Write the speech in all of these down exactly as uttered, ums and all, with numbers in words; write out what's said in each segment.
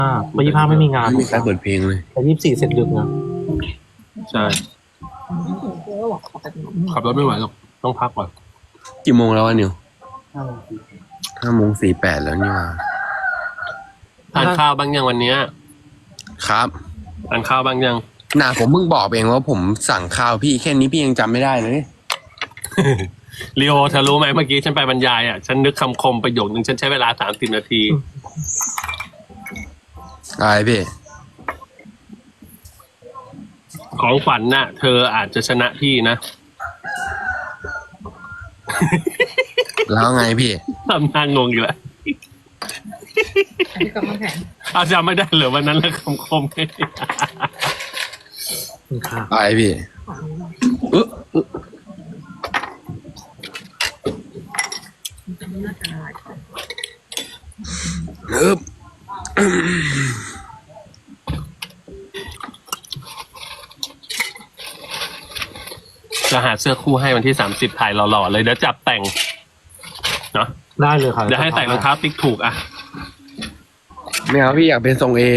อ่าวันยี่ห้าไม่มีงานไม่มีการเปิดเพลงเลยแต่ยี่สิบสี่เสร็จดึกนะใช่ขับรถไม่ไหวหรอกต้องพักก่อนกี่โมงแล้ววะนิวห้าโมงสี่แปดแล้วนี่ว่าทานข้าวบ้างยังวันเนี้ยครับทานข้าวบ้างยังน่าผมเพิ่งบอกเองว่าผมสั่งข้าวพี่แค่นี้พี่ยังจำไม่ได้เลยลีโอเธอรู้ไหมเมื่อกี้ฉันไปบรรยายอ่ะฉันนึกคำคมประโยคนึงฉันใช้เวลาสามสิบนาทีอะไรพี่ของขวัญน่ะ เธออาจจะชนะพี่นะแล้วไงพี่ทำหน้างงอยู่แล้วอาจำไม่ได้เหรอวันนั้นแล้วคำคมค่ะอะไรพี่เออเออเออจะหาเสื้อคู่ให้วันที่สามสิบถ่ายหล่อๆเลยเดี๋ยวจับแต่งเนาะได้เลยค่ะเดี๋ยวให้แต่งรองเท้าติ๊กถูกอ่ะไม่เอาพี่อยากเป็นทรงเอ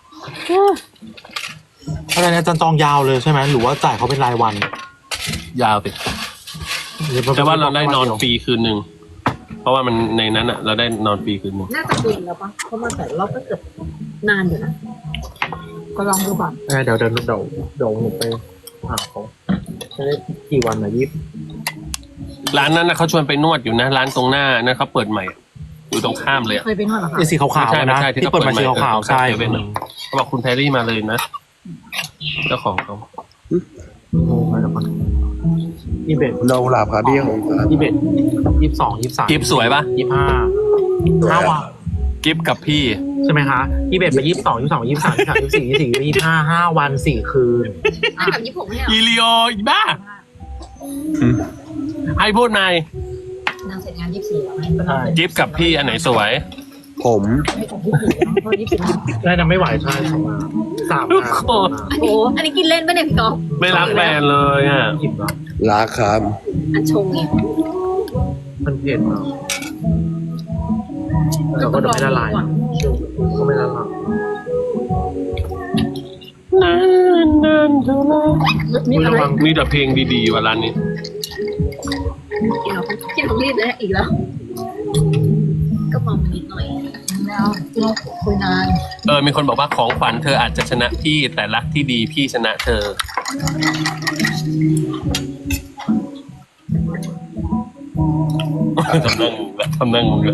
อะไรนะอาจารย์จองยาวเลยใช่ไหมหรือว่าจ่ายเขาเป็นรายวันยาวสิแต่ว่าเราได้นอนฟรีคืนหนึ่งเพราะว่ามันในนั้นอ่ะ เราได้นอนฟรีคืนหนึ่งน่าจะคุยแล้วปะเพราะมาแต่รอบก็เกือบนานอยู่นะ ก็ลองดูก่อนเออเดี๋ยวเดี๋ยวเดี๋ยวเดี๋ยวหนูไปหาเขาจะได้กี่วันนะยี่สิบร้านนั้นนะเขาชวนไปนวดอยู่นะร้านตรงหน้านั่นเขาเปิดใหม่อยู่ตรงข้ามเลยอะเคยไปนวดเหรอคะไอ้สีขาวๆอะนะไม่ใช่ไม่ใช่ที่ที่เปิดมาเขาเปิดสีใหม่ขาวๆใช่เออเซเว่นอะ เขาบอกคุณแพรรี่มาเลยนะเจ้าของเขาโอ้ยเดี๋ยวก่อนยี่สิบเอ็ดเราหลับครับพี่ของครับยี่สิบเอ็ดยี่สิบสองยี่สิบสามกิฟสวยปะยี่สิบห้าห้าวันกิฟกับพี่ใช่ไหมคะยี่สิบเอ็ดไปยี่สิบสองยี่สิบสองยี่สิบสามยี่สิบสามยี่สิบสี่ยี่สิบสี่ยี่สิบห้าห้าวันสี่คืนอ่ะแบบยี่สิบหกเนี่ยอีลีโออีบ้าให้พูดนายนางเสร็จงานยี่สิบสี่แล้วไหมก็นางเสร็จกิฟกับพี่อันไหนสวยผมไม่ถึงยี่สิบสี่แล้วเพราะยี่สิบสี่ได้นะไม่ไหวใช่สองงานสามทุกงานคนอันนี้อันนี้กินเล่นปะเนี่ยพี่ก๊อฟไม่รักแฟนเลยอ่ะอิ่มแล้วรักครับอันชงไงมันเผ็ดเนาะแต่ก็เดี๋ยวไม่ละลายก็ไม่ละลายนานนานเท่าไรนี่อะไรมีแต่เพลงดีๆว่ะร้านนี้กินเรากินของรีดเลยอีกแล้ว ก็มองนิดหน่อยแล้วเราคุยนานเออมีคนบอกว่าของขวัญเธออาจจะชนะพี่แต่รักที่ดีพี่ชนะเธอทำนั่งละทำนั่งงงละ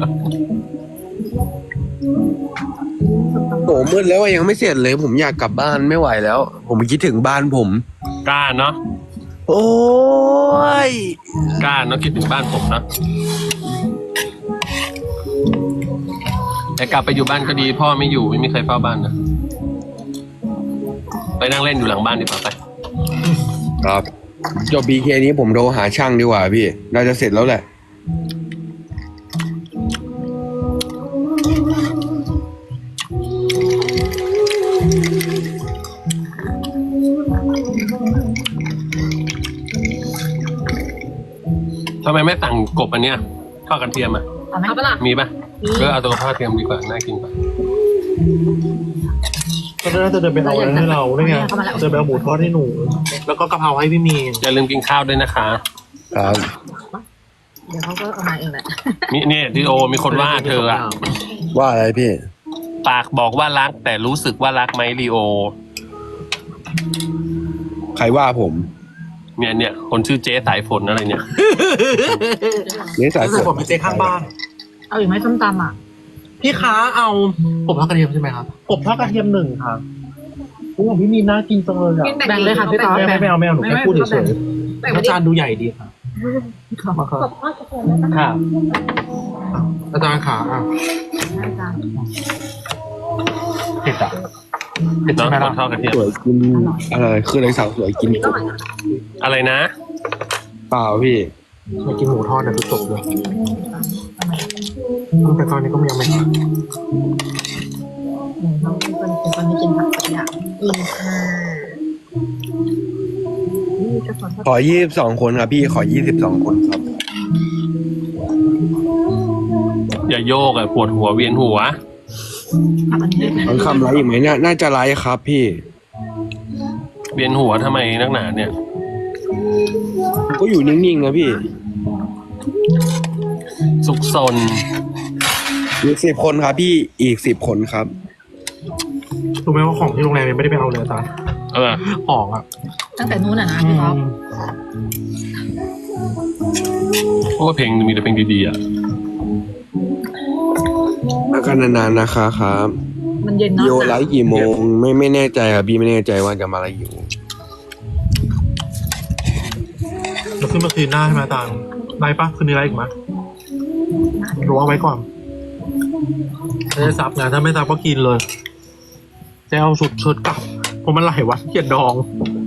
โหมืดแล้วอะยังไม่เสร็จเลย ผมอยากกลับบ้านไม่ไหวแล้ว ผมคิดถึงบ้านผมกล้าเนาะโอ้ยกล้าเนาะคิดถึงบ้านผมเนาะแต่กลับไปอยู่บ้านก็ดีพ่อไม่อยู่ไม่มีใครเฝ้าบ้านนะไปนั่งเล่นอยู่หลังบ้านดีกว่าไปครับจบบีเคนี้ผมโทรหาช่างดีกว่าพี่น่าจะเสร็จแล้วแหละทำไมไม่สั่งกบอันเนี้ยทอดกระเทียมอ่ะเอาไหมเอาปะล่ะมีปะก็เอาตัวทอดกระเทียมดีกว่าน่ากินกว่าก็น่าจะเดินไปเอาอะไรให้เราได้ไงเดินไปเอาหมูทอดให้หนู แล้วก็กะเพราให้พี่มีนอย่าลืมกินข้าวด้วยนะคะครับเดี๋ยวเขาก็เอามาเองแหละนี่เนี่ยทีโอมีคนว่าเธออะว่าอะไรพี่ปากบอกว่ารักแต่รู้สึกว่ารักไหมลีโอใครว่าผมเนี่ยเนี่ยคนชื่อเจ๊สายฝนอะไรเนี่ยนี่สายรู้ฝสึกนผมเป็นเจ๊ข้างบ้านเอาอีกไหมส้มตำอ่ะพี่ค้าเอากบทอดกระเทียมใช่ไหมครับกบทอดกระเทียมหนึ่งค่ะโอ้พี่มีนน่ากินจังเลยอ่ะแบ่งเลยค่ะพี่ก๊อฟไม่ไม่ไม่เอาไม่เอาหนูแค่พูดเฉยแบ่งๆไปอาดิจารย์ดูใหญ่ดีค่ะมาครับค่ะอาจารย์ขาอ่ะเผ็ดอ่ะเผ็ดน้ใช่องไหมคล่ะนทอดกระเทียมสวยกินอะไรคืออะไรสาวสวยกินกบอะไรนะเปล่าพี่มากินหมูทอดนะทุกจบเลยแต่ตอนนี้ก็ยังไม่น้องเป็นคนเป็นคนไม่กินผักสักอย่างกินค่ะนี่ก็สอนขอยี่สิบสองคนครับพี่ขอยี่สิบสองคนครับอย่าโยกอะปวดหัวเวียนหัวผักอันนี้น้องคำไลฟ์อีกไหมน่าน่าจะไลฟ์ครับพี่เวียนหัวทำไมนักหนาเนี่ยก็อยู่นิ่งๆนะพี่สุกซนอีกสิบคนครับพี่อีกสิบคนครับรู้ไหมว่าของที่โรงแรมยังไม่ได้ไปเอาเลยอาจารย์เออของอ่ะตั้งแต่นู้นอ่ะนะพี่ท็อปเพราะว่าเพลงมีแต่เพลงดีๆอ่ะอาการนานๆนะคะครับมันเย็นเนาะโยไลฟ์กี่โมงไม่ไม่แน่ใจครับพี่ไม่แน่ใจว่าจะมาอะไรอยู่เราขึ้นมาคืนหน้าใช่ไหมอาจารย์ไลฟ์ปะคืนนี้ไลฟ์อีกไหมรู้เอาไว้ก่อนไม่ได้ซับนะถ้าไม่ซับก็กินเลยจะเอาชุดเชิดกลับเพราะมันหลายวันเกลียดดอง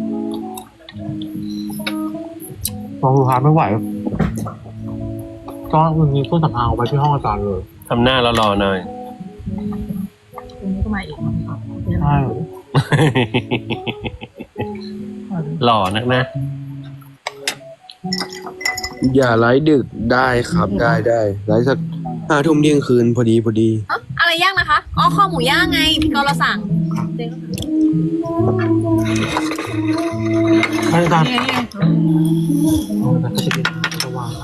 ดองลูกค้าไม่ไหวก็วันนี้ต้นสำอางเอาไปที่ห้องอาจารย์เลยทำหน้าแล้วรอหน่อยคืนนี้ก็มาอีกใช่หล่อนักนะอย่าไลฟ์ดึกได้ครับได้ได้ไลฟ์สักห้าทุ่มเที่ยงคืนพอดีพอดีเอ้าอะไรย่างนะคะอ๋อข้อหมูย่างไงพี่กอเราสั่งเจ๊ก็สั่งให้อาจารย์นี่ไงนี่ไงแต่ก็จะเป็นระวัง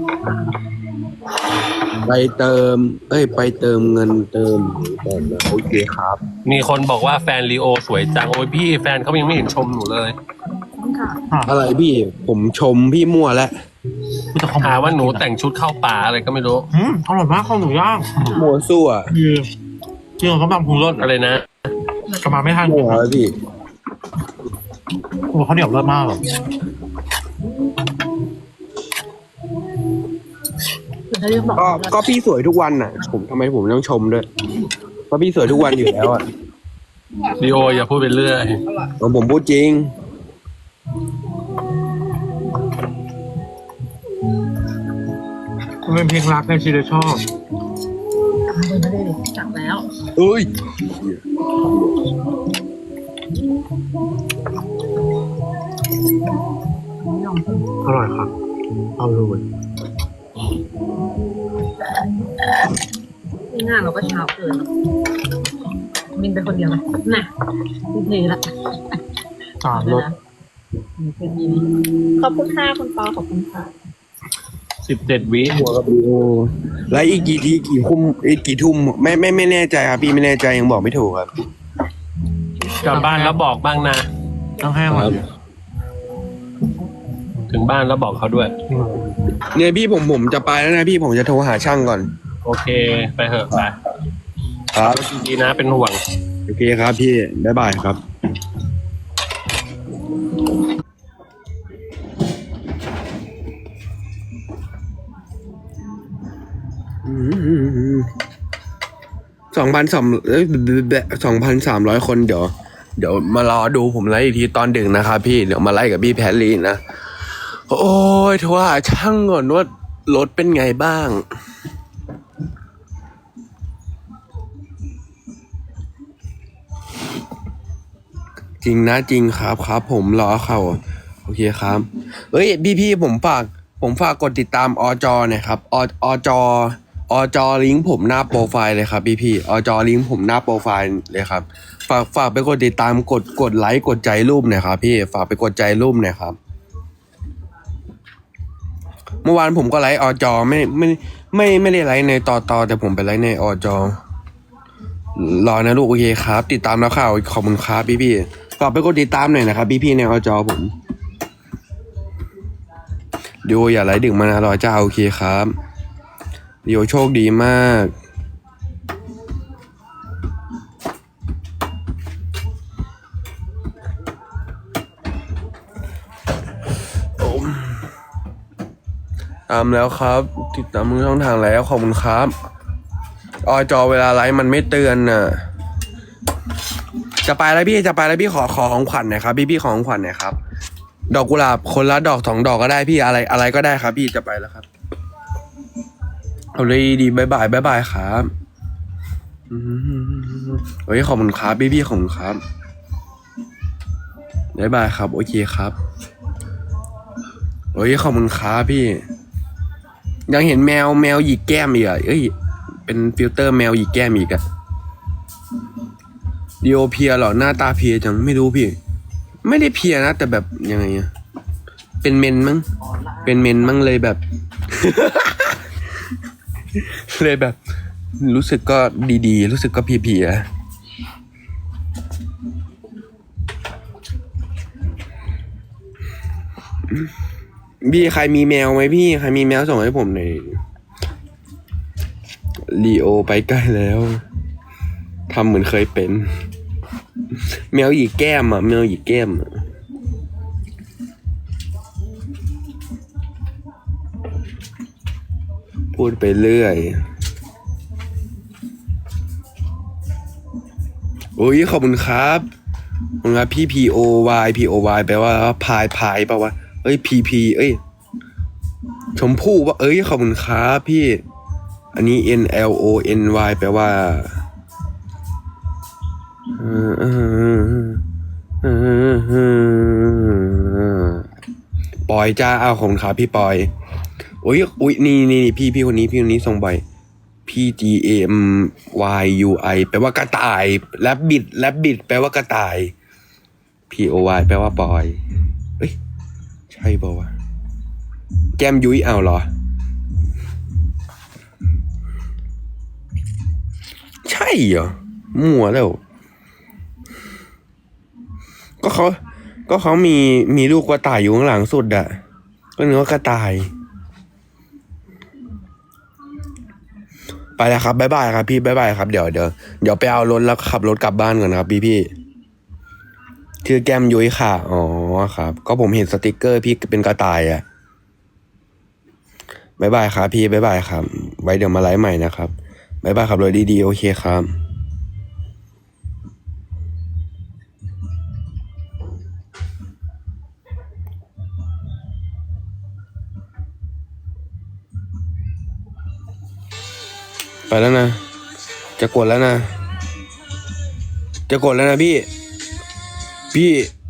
ไปเติม เอ้ย ไปเติมเงินเติมก่อนนะโอเคครับมีคนบอกว่าแฟนลีโอสวยจัง โอ้ยพี่แฟนเขายังไม่เห็นชมหนูเลยค่ะอะไรพี่ผมชมพี่มั่วแล้วมีแต่ของหาว่าหนูแต่งชุดเข้าป่าอะไรก็ไม่รู้อืมอร่อยมากข้าวหมูย่างมั่วซั่วคือจริงๆเขาบางพุงรสอะไรนะกลับมาไม่ทันมั่วแล้วพี่โอ้เขาวเหนียวเลิศมากเลยคือถ้าเรียกบอกก็ก็พี่สวยทุกวันน่ะ ผมทำไมผมต้องชมด้วยเพราะพี่สวยทุกวันอยู่แล้วอ่ะลีโออย่าพูดไปเรื่อยผมพูดจริงมันเป็นเพลงรักในชีวิตชอบกลับมาเบอร์ไม่ได้ดิจับแล้วเอ้ยอร่อยครับเอาเลยนี่งานเราก็เช้าเกินมินเป็นคนเดียวเลยน่ะพี่เทละจานรสขอบคุณค่ะคุณปอขอบคุณค่ะสิบเจ็ดวิหัวกับพี่โอแล้วอีกกี่ทีกี่ทุ่มอีกกี่ทุ่มไม่ไม่ไม่แน่ใจครับพี่ไม่แน่ใจยังบอกไม่ถูกครับกลับบ้านแล้วบอกบ้างนะต้องแห้งครับถึงบ้านแล้วบอกเขาด้วยเนี่ยพี่ผมผมจะไปแล้วนะพี่ผมจะโทรหาช่างก่อนโอเค ไปเถอะไปครับดีนะเป็นห่วงโอเคครับพี่บ๊ายบายครับ สองพันสองสองพันสามร้อยคนเดี๋ยว เดี๋ยวมารอดูผมไลฟ์อีกทีตอนดึกนะครับพี่เดี๋ยวมาไลฟ์กับพี่แพรลีนะ โอ้ยโทรหาช่างก่อนว่ารถเป็นไงบ้าง จริงนะจริงครับครับผมรอเขาโอเคครับเอ้ยพี่พี่ผมฝากผมฝากกดติดตามอจอหน่อยครับออจออจอลิงก์ผมหน้าโปรไฟล์เลยครับพี่พี่อจอลิงก์ผมหน้าโปรไฟล์เลยครับฝากฝากไปกดติดตามกดกดไลค์กดใจรูปหน่อยครับพี่ฝากไปกดใจรูปหน่อยครับเมื่อวานผมก็ไลค์อจอไม่ไม่ไม่ไม่ได้ไลค์ในต่อต่อแต่ผมไปไลค์ในอจอรอนะลูกโอเคครับ ติดตามแล้วข่าวขอบคุณครับพี่พี่ฝากไปกดติดตามหน่อยนะครับพี่พี่ในอจอผมดิโออย่าไลค์ดึกมานะรอเจ้าโอเคครับดิโอโชคดีมากตามแล้วครับ ติดตามมือช่องทางแล้วขอบคุณครับอจอเวลาไลฟ์มันไม่เตือนน่ะจะไปแล้วพี่จะไปแล้วพี่ขอขอของขวัญหน่อยครับพี่พี่ขอของขวัญหน่อยครับดอกกุหลาบคนละดอกสองดอกก็ได้พี่อะไรอะไรก็ได้ครับพี่จะไปแล้วครับเอาเลยดีบายบายบายบายครับอืมเฮ้ยขอบคุณครับพี่พี่ขอบคุณครับบายบายครับโอเคครับเฮ้ยขอบคุณครับพี่ยังเห็นแมวแมวหยิกแก้มอีกอ่ะเอ้ยเป็นฟิลเตอร์แมวหยิกแก้มอีกอ่ะดีโอเพียเหรอหน้าตาเพียจังไม่รู้พี่ ไม่ได้เพียนะแต่แบบยังไงอะเป็นเมนมั้งเป็นเมนมั้งเลยแบบ เลยแบบ รู้สึกก็ดีๆ รู้สึกก็เพียๆพี่ใครมีแมวไหมพี่ใครมีแมวส่งให้ผมหน่อยลีโอไปใกล้แล้วทำเหมือนเคยเป็น แมวหยีกแก้มอ่ะแมวหยีกแก้มอะพูดไปเรื่อยโอ้ยขอบคุณครับขอบคุณครับพี่ P O Y P O Y แปลว่าพายพายป่าวะเอ้ย P P เอ้ยชมพู่ว่าเอ้ยขอบคุณครับพี่อันนี้ N L O N Y แปลว่าปอยจ้าเอาของขาพี่ปอยโอ้ยอุ้ยนี่นี่พี่พี่คนนี้พี่คนนี้ส่งบ่อย P G A M Y U I แปลว่ากระต่ายแรบบิดแรบบิดแปลว่ากระต่าย P O Y แปลว่าปอยเอ้ยใช่ป่าวะแก้มยุ้ยเอาเหรอใช่เหรอมั่วแล้วก็เขาก็เขามีมีลูกกระต่ายอยู่ข้างหลังสุดอะก็นึกว่ากระต่ายไปแล้วครับบ๊ายบายครับพี่บ๊ายบายครับเดี๋ยวเดี๋ยวเดี๋ยวไปเอารถแล้วขับรถกลับบ้านก่อนครับพี่พี่ชื่อแก้มยุ้ยค่ะอ๋อครับก็ผมเห็นสติกเกอร์พี่เป็นกระต่ายอะบ๊ายบายครับพี่บ๊ายบายครับไว้เดี๋ยวมาไลฟ์ใหม่นะครับบ๊ายบายครับรถดีๆโอเคครับไปแล้วนะจะกดแล้วนะจะกดแล้วนะพี่พี่